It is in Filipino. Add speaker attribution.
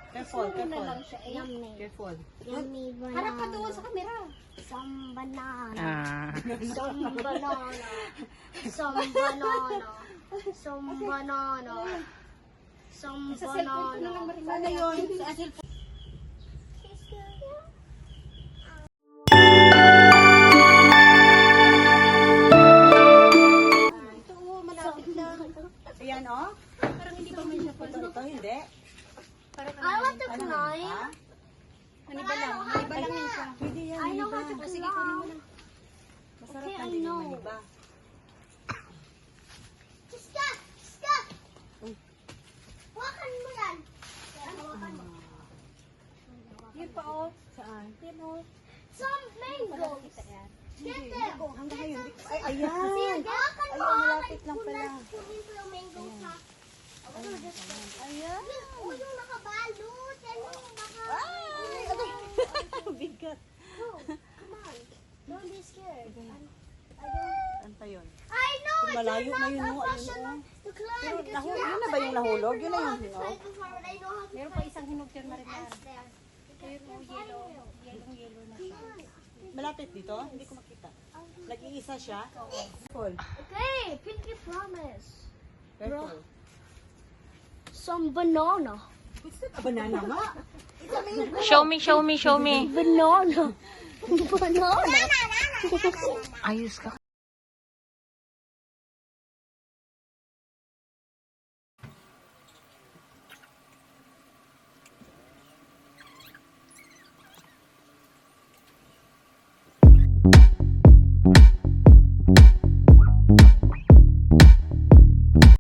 Speaker 1: Careful,
Speaker 2: na
Speaker 1: careful.
Speaker 2: lang siya. Yummy.
Speaker 1: Careful.
Speaker 2: Yummy banana. Harap ka doon sa camera. Some banana.
Speaker 3: Ah.
Speaker 2: Some banana. Some banana. Some banana. Some banana.
Speaker 1: Sana yun. Sa cellphone. Ito, malapit lang. Ayan, oh.
Speaker 2: Parang hindi pa may siya pa.
Speaker 1: Ito, hindi.
Speaker 2: I want to climb.
Speaker 1: Ha?
Speaker 2: Maniba lang. Maniba lang yun siya.
Speaker 1: Pwede yan,
Speaker 2: I know
Speaker 1: maniba.
Speaker 2: how to sige, kunin mo lang.
Speaker 1: Masarap
Speaker 2: Okay,
Speaker 1: na
Speaker 2: I
Speaker 1: din yung
Speaker 2: know.
Speaker 1: maniba.
Speaker 2: Stop! Stop! Wakan mo yan. Wakan mo.
Speaker 1: Yun pa, oh. Saan?
Speaker 2: Yun o. Some mangoes. Get them.
Speaker 1: Hanggang ngayon. Ay, ayan.
Speaker 2: Wakan mo.
Speaker 1: Ayun, malapit lang pala.
Speaker 2: Kunin ko yung mangoes ha.
Speaker 1: Ayan.
Speaker 2: Oh, yung nakabalot. Yan yung
Speaker 1: Ay, bigat.
Speaker 2: No, come on. Don't be scared.
Speaker 1: Ano pa yun?
Speaker 2: I know
Speaker 1: Kung malayo na yun, no? Ayun,
Speaker 2: professional
Speaker 1: oh.
Speaker 2: to climb because you
Speaker 1: Yun na ba yung nahulog? Yun na yung hinog?
Speaker 2: Meron pa isang hinog dyan, Mariman. Ayun o, yellow. Yellow na siya.
Speaker 1: Malapit dito? Hindi ko makita. Nag-iisa siya? Careful.
Speaker 2: Okay, Pinky promise.
Speaker 1: Careful.
Speaker 2: Some banana.
Speaker 1: Banana nga.
Speaker 3: Show me, show me, show me.
Speaker 2: Banana. Banana.
Speaker 3: Ayos ka.